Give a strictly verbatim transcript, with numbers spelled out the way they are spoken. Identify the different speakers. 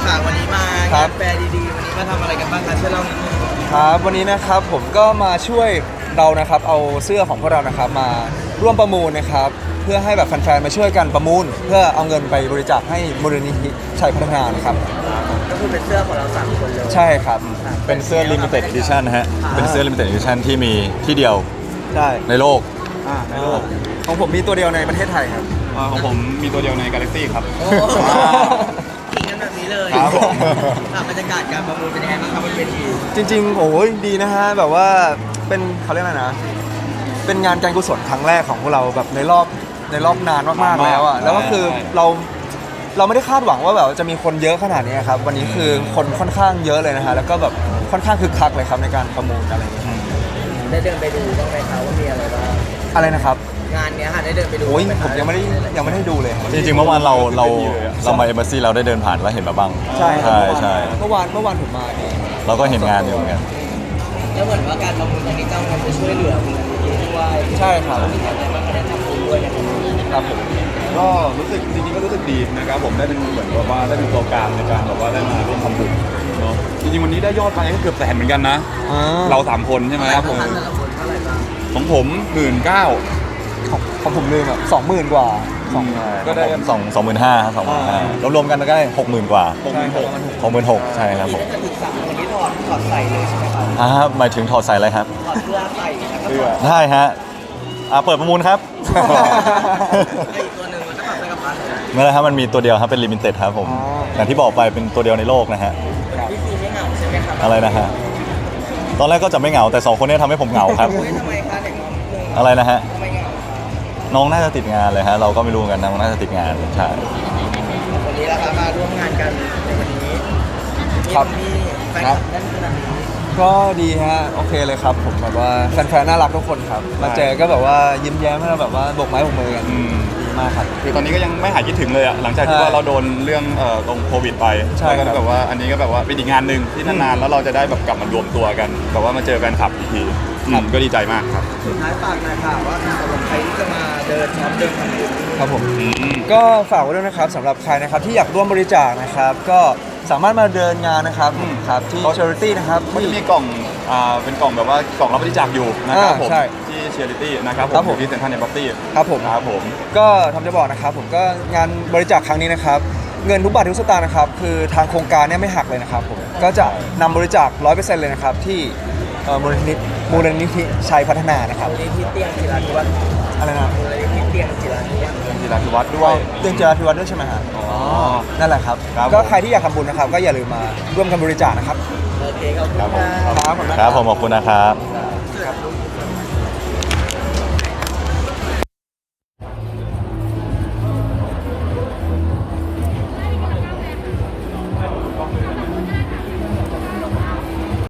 Speaker 1: ค่ะวันนี้มา
Speaker 2: ครั
Speaker 1: งา
Speaker 2: บ
Speaker 1: นแฟร์ดีๆวันนี้มาทำอะไรกันบ้างคะช่วยเล่านิดนึง
Speaker 2: ครับวันนี้นะครับผมก็มาช่วยเรานะครับเอาเสื้อของพวกเรานะครับมาร่วมประมูลนะครับเพื่อให้แบบแฟนๆมาช่วยกันประมูล เพื่อเอาเงินไปบริจาคให้มูลนิธิชัยพัฒนานะครับ
Speaker 1: ก็คือเป็นเสื้อของเราสามคนเลย
Speaker 2: ใช่ครับ
Speaker 3: เป็นเสื้อ limited edition นะฮะ เป็นเสื้อ limited edition ที่มีที่เดียว
Speaker 2: ใช่
Speaker 3: ในโลก
Speaker 2: อ่าในโลกของผมมีตัวเดียวในประเทศไทยครับ
Speaker 4: อ่าของผมมีตัวเดียวใน Galaxy ครับ
Speaker 1: โอ้ขิงกันแบบนี้เลย
Speaker 3: ครับผม
Speaker 1: ค่ะบรรยากาศการประมูลเป็นยังไงบ้างครับบนเวที
Speaker 2: จริงๆโอ้ยดีนะฮะแบบว่าเป็นเขาเรียกอะไรนะเป็นงานการกุศลครั้งแรกของพวกเราแบบในรอบในรอบนานมากๆแล้วอ่ะแล้วก็คือเราเราไม่ได้คาดหวังว่าแบบจะมีคนเยอะขนาดนี้ครับวันนี้คือคนค่อนข้างเยอะเลยนะฮะแล้วก็แบบค่อนข้างคึกคักเลยครับในการประมูลอะไรอย่างเงี้ย
Speaker 1: ได้เดินไปดูบ้างไหมคะว่ามีอะไรบ้าง
Speaker 2: อะไรนะครับ
Speaker 1: งานเนี้ยค่ะได้เดินไปดู
Speaker 2: โอ้ย
Speaker 1: บ้างห
Speaker 2: ผมยังไม่ได้ยังไม่ได้ดูเลยครับ
Speaker 3: จริงๆเมื่อวานเราเราเรามาเอมบ s ซีเราได้เดินผ่านแล้วเห็นมาบ้าง
Speaker 2: ใช่ครับ
Speaker 3: ใช่ใช่
Speaker 2: เมื่อวานเมื่อวานผมมาเนี่ย
Speaker 3: เราก็เห็นงานอยู่เหมือนกัน
Speaker 1: แล้วเหมือนว่าการประมูลครั้งนี้จะเอาเงินไปช่วยเหลือมูลนิธิด้วย
Speaker 2: ใช่ครับ
Speaker 1: มีอะไรบ้างก็ได้ทำบุญด้วยนะครับ
Speaker 2: ครับผม
Speaker 4: ก็รู้สึกจริงๆก็รู้สึกดีนะครับผมได้เป็นเหมือนกับว่าได้เป็นตัวกลางในการแบบว่าได้มาร่วมทำบุญเนาะจริงๆวันนี้ได้ยอดไปก็เกือบแสนเหมือนกันนะ
Speaker 2: อ่า
Speaker 4: เราสามคนใช่ไหม
Speaker 1: ครับผมแต่ละคนเท่าไหร่บ้าง
Speaker 4: ของผมหมื่นเก้า
Speaker 2: ของของผมลืมอ่ะสองหมื่นกว่าสอง
Speaker 4: ก็ได้
Speaker 3: สองสองหมื่นห้าสองหมื่นห้าเรารวมกันก็ได้หกหมื่นกว่า
Speaker 4: หกหมื่นหก
Speaker 3: หกหมื่นหกใช่ครับผม
Speaker 1: ถ้าจะถึงสามวันนี้ถอดถอดใส่เลยใช่ไหมครับ
Speaker 3: อ่าหมายถึงถอดใส่อะไรครับ
Speaker 1: ถอดเสื้อใส่แล้วก็
Speaker 4: เสื้
Speaker 1: ถ
Speaker 4: อ
Speaker 1: อด
Speaker 3: ได้ฮะอ่าเปิดประมูลครับ
Speaker 1: ไอ้อีกตัวหนึ่งมันก็ถอดใส่กับพันเลย
Speaker 3: ไม่เลยครับมันมีตัวเดียวครับเป็นลิมิเต็ดครับผม
Speaker 2: อ๋อ
Speaker 3: อย่างที่บอกไปเป็นตัวเดียวในโลกนะฮะ
Speaker 1: พี่ซีไม่เหงาใช่ไหมครับ
Speaker 3: อะไรนะฮะตอนแรกก็จะไม่เหงาแต่สองคนเนี้ทำให้ผมเหงาครับ
Speaker 1: เฮ้ยทำไมคะเด็กน้องหนึ่ง
Speaker 3: อะไรนะฮะ
Speaker 1: ทำไมเหงา
Speaker 3: น้องน่าจะติดงานเลยฮะเราก็ไม่รู้เหมือนกันน้องน่าจะติดงานใช่
Speaker 1: วันนี้เรามาร่วมงานกันในวันนี้
Speaker 2: ครับ
Speaker 1: มีแฟนคลับแน่นขนาดนี้
Speaker 2: ก็ดีฮะโอเคเลยครับผมแบบว่าแฟนๆน่ารักทุกคนครับมาเจอก็แบบว่ายิ้มแย้มให้เราแบบว่าโบกไม้โบกมือกัน
Speaker 4: อืม
Speaker 2: ดีมากครับ
Speaker 4: คือตอนนี้ก็ยังไม่หายคิดถึงเลยอะหลังจากที่
Speaker 2: ใช่
Speaker 4: ว่าเราโดนเรื่องเอ่อตรงโควิดไป
Speaker 2: ใช่
Speaker 4: แล้ว
Speaker 2: ครั
Speaker 4: ก็
Speaker 2: บ
Speaker 4: แบบว่าอันนี้ก็แบบว่าเป็นอีกงานหนึ่งที่นานๆแล้วเราจะได้แบบกลับมารวมตัวกันแบบว่ามาเจอแฟนคลับอีกทีอืมก็ดีใจมากครับ
Speaker 1: สุดท้ายฝากหน่อยค่ะว่าสำหรับใครที่จะมาเดินช็อปเดินทำบุญ
Speaker 2: ครับผม
Speaker 4: อืม
Speaker 2: ก็ฝากไว้ด้วยนะครับสำหรับใครนะครับที่อยากร่วมบริจาคนะครับ ก็สามารถมาเดินงานนะครับครับที่ charity นะครับ
Speaker 4: มัน
Speaker 2: ที่
Speaker 4: จะมีกล่องอ่าเป็นกล่องแบบว่ากล่องรับบริจาคอยู่นะครับ
Speaker 2: อ่า
Speaker 4: ผม
Speaker 2: ใช่
Speaker 4: ที่เชียริตี้นะครับผ
Speaker 2: ครับ
Speaker 4: ม
Speaker 2: ผม
Speaker 4: อยู่ที่เซ็นทรัลเนบัตตี้
Speaker 2: ครับผม
Speaker 4: ครับผม
Speaker 2: ก็ทำจะบอกนะครับผมก็งานบริจาคครั้งนี้นะครับเงินทุกบาททุกสตางค์นะครับคือทางโครงการเนี่ยไม่หักเลยนะครับผมก็จะนำบริจาค ร้อยเปอร์เซ็นต์ เลยนะครับที่เอ่อมูลนิธิมูลนิธิชัยพัฒนานะครับ
Speaker 1: มูลนิธิเตียงจิราธิวัฒน์
Speaker 2: อะไรนะ
Speaker 1: มูลนิธิเตียงจิราธิวัฒน์
Speaker 4: เป็นจิราธิวัฒน์ด้วย
Speaker 2: เตือนเจราธิวัฒน์ด้วยใช่ไหมฮะ
Speaker 4: อ๋อ
Speaker 2: นั่นแหละครับ
Speaker 4: ครับ
Speaker 2: ก็
Speaker 4: ผม
Speaker 2: ใครที่อยากทำบุญนะครับก็อย่าลืมมาร่วมกันบริจาคนะครับ
Speaker 1: โอเคขอบคุณ
Speaker 4: ครับผม
Speaker 1: ค่ะ
Speaker 2: ครับผม
Speaker 3: ครับผมขอบคุณนะครับ